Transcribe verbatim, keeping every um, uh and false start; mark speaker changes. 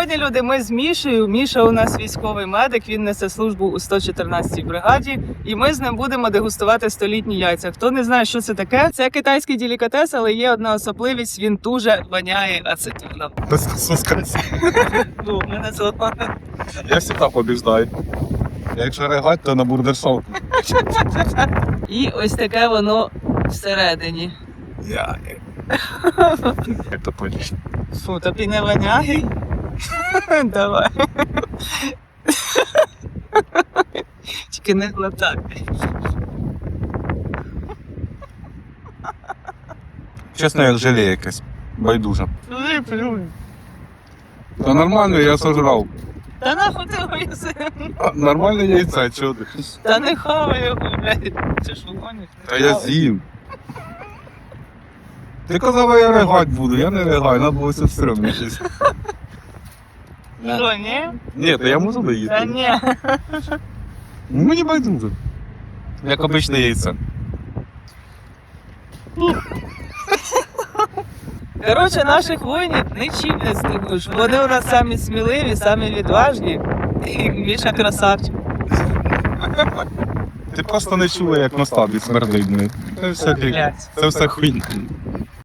Speaker 1: Сьогодні, люди, ми з Мішею. Міша у нас військовий медик, він несе службу у сто чотирнадцятій бригаді. І ми з ним будемо дегустувати столітні яйця. Хто не знає, що це таке, це китайський делікатес, але є одна особливість, він дуже воняє ацетоном. Ну, мене золота.
Speaker 2: Я завжди побіждаю. Якщо ригать, то на бурдершоу.
Speaker 1: І ось таке воно всередині.
Speaker 2: Я... Это понял.
Speaker 1: Фу, тобі не воняє? Давай. Тільки не глотай.
Speaker 2: Чесно, як желе якесь. Байдуже.
Speaker 1: Плюй, плюй.
Speaker 2: Та нормально, я сожрав.
Speaker 1: Та нахуй ти його їси?
Speaker 2: А, нормальне яйце, чого ти?
Speaker 1: Та не хавай його, блядь. Це ж вогонь.
Speaker 2: Та я з'їм. Ти казав, я ригать буду, я не ригаю, треба було все стрьомно щось.
Speaker 1: Що, ні?
Speaker 2: Ні, то я можу
Speaker 1: Та
Speaker 2: доїсти.
Speaker 1: ні.
Speaker 2: Ну, мені байдуже. Як обичне яйце.
Speaker 1: Коротше, наших воїнів нічим не здивуєш. Вони у нас самі сміливі, самі відважні. І Міша красавчик.
Speaker 2: Ти просто не чула, як на стабі смердить. Це все,
Speaker 1: Блядь.
Speaker 2: це все хуйня.